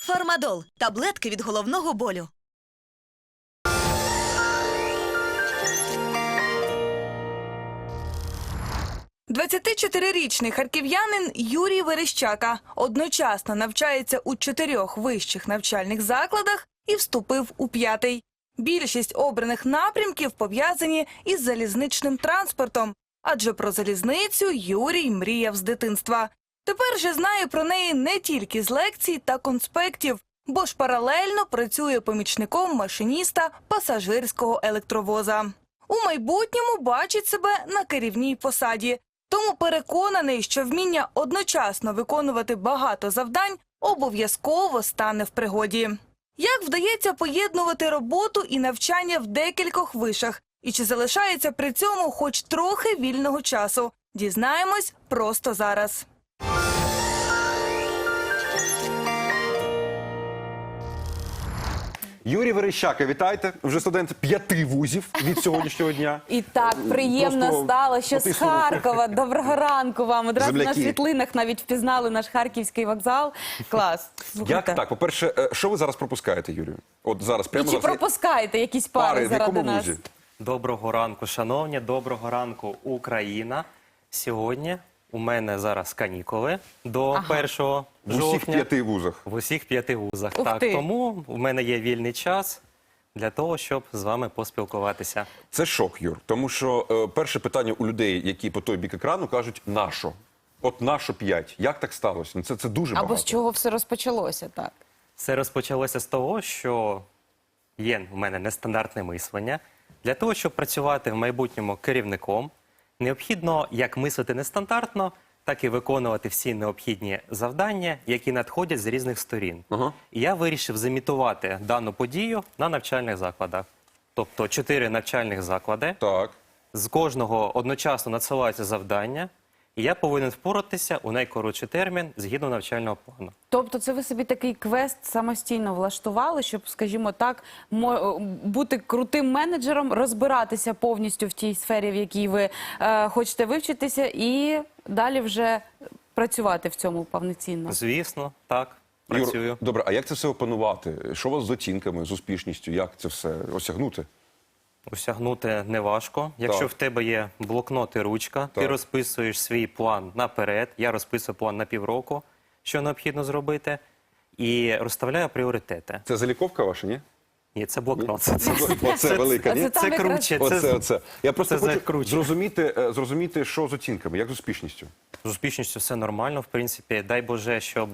Фармадол – таблетки від головного болю. – 24-річний харків'янин Юрій Верещака одночасно навчається у 4 вищих навчальних закладах і вступив у 5-й. Більшість обраних напрямків пов'язані із залізничним транспортом, адже про залізницю Юрій мріяв з дитинства. Тепер же знає про неї не тільки з лекцій та конспектів, бо ж паралельно працює помічником машиніста пасажирського електровоза. У майбутньому бачить себе на керівній посаді. Тому переконаний, що вміння одночасно виконувати багато завдань обов'язково стане в пригоді. Як вдається поєднувати роботу і навчання в декількох вишах? І чи залишається при цьому хоч трохи вільного часу? Дізнаємось просто зараз. Юрій Верещака, вітайте. Вже студент 5 вузів від сьогоднішнього дня. І так приємно Просто стало, що з потиснули. Харкова. Доброго ранку вам. Одразу на Земляки. світлинах навіть впізнали наш харківський вокзал. Клас. Як Слухайте. так? По-перше, що ви зараз пропускаєте, Юрію? От зараз, І прямо чи зараз. пропускаєте якісь пари в заради якому нас? вузі? Доброго ранку, шановні, доброго ранку, Україна. Сьогодні у мене зараз канікули до 1 В усіх жовтня. 5 вузах. В усіх 5 вузах. Ух Так, ти. тому у мене є вільний час для того, щоб з вами поспілкуватися. Це шок, Юр. Тому що перше питання у людей, які по той бік екрану, кажуть, нащо? От нащо 5? Як так сталося? Ну, це дуже багато. Або з чого все розпочалося, так? Все розпочалося з того, що є в мене нестандартне мислення. Для того, щоб працювати в майбутньому керівником, необхідно як мислити нестандартно, так і виконувати всі необхідні завдання, які надходять з різних сторін. Ага. І я вирішив замітувати дану подію на навчальних закладах. Тобто 4 навчальних заклади, Так. з кожного одночасно надсилаються завдання, і я повинен впоратися у найкоротший термін згідно навчального плану. Тобто це ви собі такий квест самостійно влаштували, щоб, скажімо так, бути крутим менеджером, розбиратися повністю в тій сфері, в якій ви хочете вивчитися, і далі вже працювати в цьому повноцінно. Звісно, так, працюю. Юр, добре, а як це все опанувати? Що у вас з оцінками, з успішністю? Як це все осягнути? Осягнути неважко. Якщо Так. в тебе є блокнот і ручка, ти Так. розписуєш свій план наперед, я розписую план на півроку, що необхідно зробити, і розставляю пріоритети. Це заліковка ваша, ні? Ні, це блокнот. Оце велика, ні? Це там Це якраз- круче. Оце. Я просто це хочу закруче. зрозуміти, що з оцінками, як з успішністю. З успішністю все нормально, в принципі. Дай Боже, щоб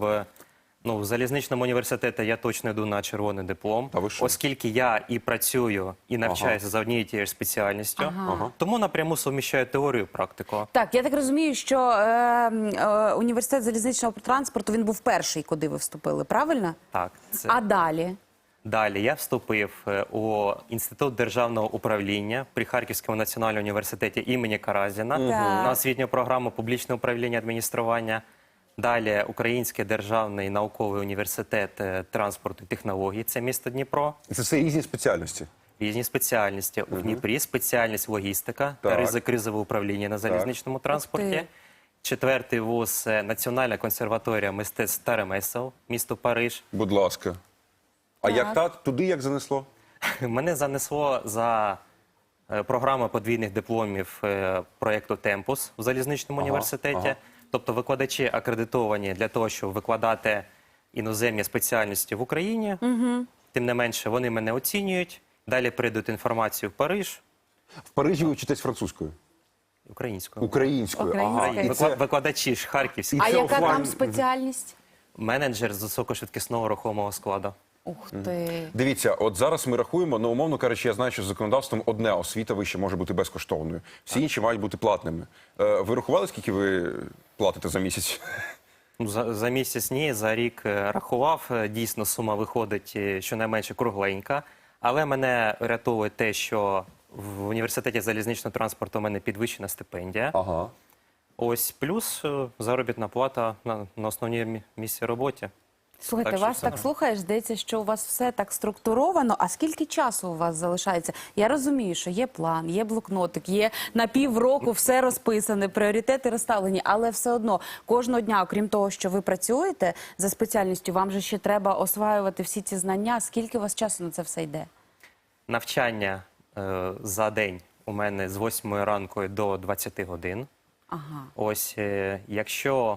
в залізничному університеті я точно йду на червоний диплом, Та ви що? оскільки я і працюю, і навчаюся за однією тією ж спеціальністю, тому напряму суміщаю теорію і практику. Так, я так розумію, що університет залізничного транспорту, він був перший, куди ви вступили, правильно? Так, це... А далі? Далі я вступив у Інститут державного управління при Харківському національному університеті імені Каразіна на освітню програму публічне управління адміністрування. Далі Український державний науковий університет транспорту і технологій, це місто Дніпро. Це все різні спеціальності. Різні спеціальності. У Дніпрі спеціальність логістика та Так. ризик-кризове управління на залізничному транспорті. 4-й вуз Національна консерваторія мистецтв та ремесел, місто Париж. Будь ласка. А як туди як занесло? Мене занесло за програмою подвійних дипломів проєкту «Темпус» в залізничному університеті. Тобто викладачі акредитовані для того, щоб викладати іноземні спеціальності в Україні. Тим не менше, вони мене оцінюють. Далі передають інформацію в Париж В Парижі ви вчитесь французькою? українською. Українською. Українською. І це- Викладачі ж харківські. А це яка офлайн? там спеціальність? Менеджер з високошвидкісного рухомого складу. Ух ти. Дивіться, от зараз ми рахуємо, ну, умовно кажучи, я знаю, що з законодавством одне освіта вища може бути безкоштовною. Всі інші мають бути платними. Ви рахували, скільки ви платите за місяць? Ну, за місяць ні, за рік рахував. Дійсно, сума виходить щонайменше кругленька. Але мене рятує те, що в університеті залізничного транспорту у мене підвищена стипендія. Ага. Ось плюс заробітна плата на основній місці роботі. Слухайте, Так що вас все так нормально. слухаєш, здається, що у вас все так структуровано. А скільки часу у вас залишається? Я розумію, що є план, є блокнотик, є на півроку все розписане, пріоритети розставлені, але все одно кожного дня, окрім того, що ви працюєте за спеціальністю, вам же ще треба осваювати всі ці знання. Скільки у вас часу на це все йде? Навчання за день у мене з 8 ранку до 20 годин. Ага. Ось, якщо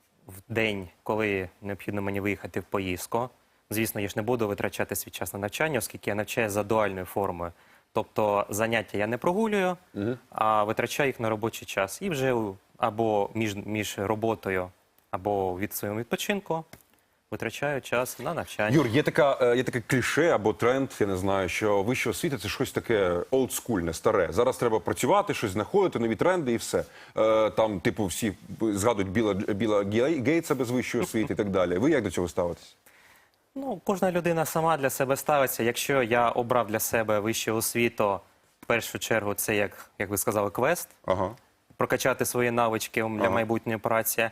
в день, коли необхідно мені виїхати в поїздку, звісно, я ж не буду витрачати свій час на навчання, оскільки я навчаю за дуальною формою. Тобто заняття я не прогулюю, а витрачаю їх на робочий час. І вже або між роботою, або від своєму відпочинку витрачаю час на навчання. Юр, є таке кліше або тренд, я не знаю, що вища освіта – це щось таке олдскульне, старе. Зараз треба працювати, щось знаходити, нові тренди і все. Там, типу, всі згадують Біла Гейтса без вищої освіти і так далі. Ви як до цього ставитесь? Ну, кожна людина сама для себе ставиться. Якщо я обрав для себе вищу освіту, в першу чергу це, як ви сказали, квест, Ага. прокачати свої навички для майбутньої праці.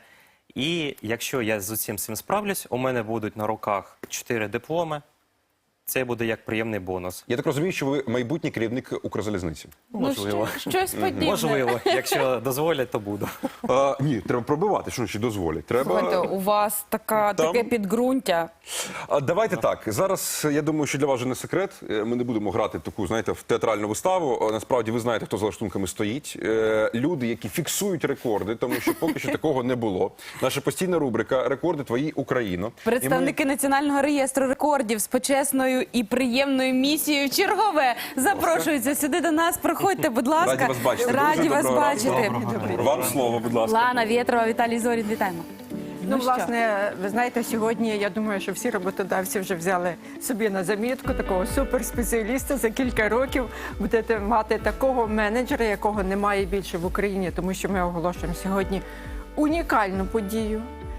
І якщо я з усім цим справлюсь, у мене будуть на руках 4 дипломи. Це буде як приємний бонус. Я так розумію, що ви майбутній керівник Укрзалізниці. Можливо. Ну, щось подібне. Можливо, якщо дозволять, то буду. Ні, треба пробивати, що ще дозволять. Слухайте, Треба... у вас Там- таке підґрунтя. Давайте так. Зараз, я думаю, що для вас вже не секрет. Ми не будемо грати в таку, знаєте, в театральну виставу. Насправді, ви знаєте, хто за лаштунками стоїть. Люди, які фіксують рекорди, тому що поки що такого не було. Наша постійна рубрика «Рекорди твої, Україно». Представники Національного реєстру рекордів з почесною і приємною місією чергове запрошуються сюди до нас. Проходьте, будь ласка. Раді вас бачити. Раді Дуже вас доброго бачити. Вам слово, будь ласка. Лана Вєтрова, Віталій Зорін, вітаємо. Ну, що? власне, ви знаєте, сьогодні я думаю, що всі роботодавці вже взяли собі на замітку такого суперспеціаліста. За кілька років будете мати такого менеджера, якого немає більше в Україні, тому що ми оголошуємо сьогодні унікальну подію.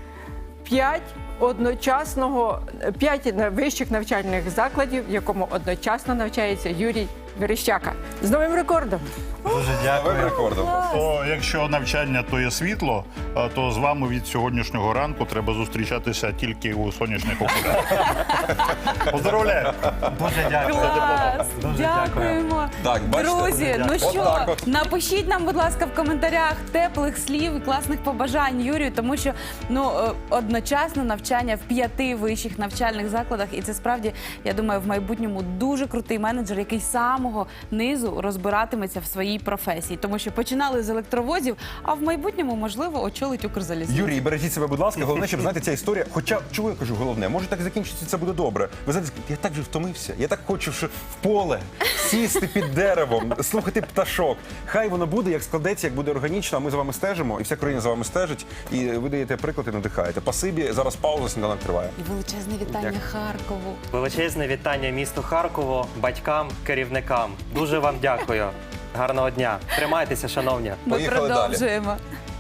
5 вищих навчальних закладів, в якому одночасно навчається Юрій Верещака. З новим рекордом! Дуже Новим дякую. рекордом. То якщо навчання то є світло, то з вами від сьогоднішнього ранку треба зустрічатися тільки у сонячних окулярах. Поздравляю! Дуже дякую. Клас! Дуже Дякуємо. Так, бачите? Друзі, ну що, Отак от. напишіть нам, будь ласка, в коментарях теплих слів і класних побажань Юрію, тому що одночасно навчання в 5 вищих навчальних закладах, і це справді, я думаю, в майбутньому дуже крутий менеджер, який з самого низу розбиратиметься в своїй професії, тому що починали з електровозів, а в майбутньому, можливо, очолить Укрзалізницю. Юрій, бережіть себе, будь ласка. Головне, щоб знаєте, ця історія. Хоча, чого я кажу, головне, може так закінчиться, це буде добре. Ви знаєте, я так же втомився. Я так хочу що в поле сісти під деревом, слухати пташок. Хай воно буде, як складеться, як буде органічно. А ми за вами стежимо, і вся країна за вами стежить. І ви даєте приклад і надихаєте. Пасибі, зараз пауза, сніданок триває. І величезне вітання Дякую. Харкову. Величезне вітання місту Харкову, батькам, керівникам. Дуже вам дякую. Гарного дня. Тримайтеся, шановні. Ми Поїхали далі. продовжуємо.